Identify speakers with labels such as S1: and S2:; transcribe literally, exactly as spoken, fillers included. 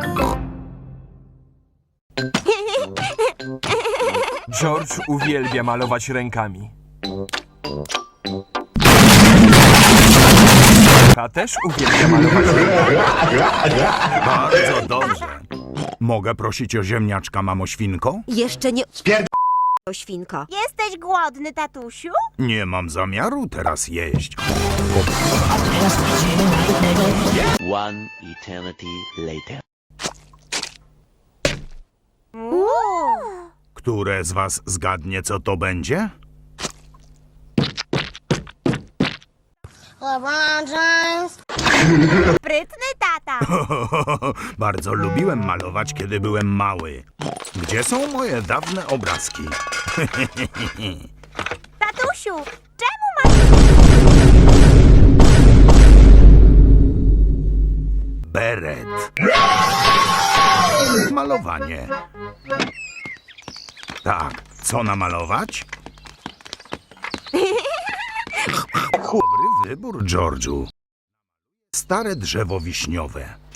S1: George uwielbia malować rękami. A też uwielbia malować rękami.
S2: Bardzo dobrze. Mogę prosić o ziemniaczka, mamo świnko?
S3: Jeszcze nie... O świnko.
S4: Jesteś głodny, tatusiu?
S2: Nie mam zamiaru teraz jeść.
S5: One eternity later.
S2: Które z was zgadnie, co to będzie?
S4: LeBron James. Sprytny tata.
S2: Bardzo lubiłem malować, kiedy byłem mały. Gdzie są moje dawne obrazki?
S4: Tatusiu, czemu masz...
S2: Beret. Malowanie. Tak, co namalować? Dobry wybór, George'u. Stare drzewo wiśniowe.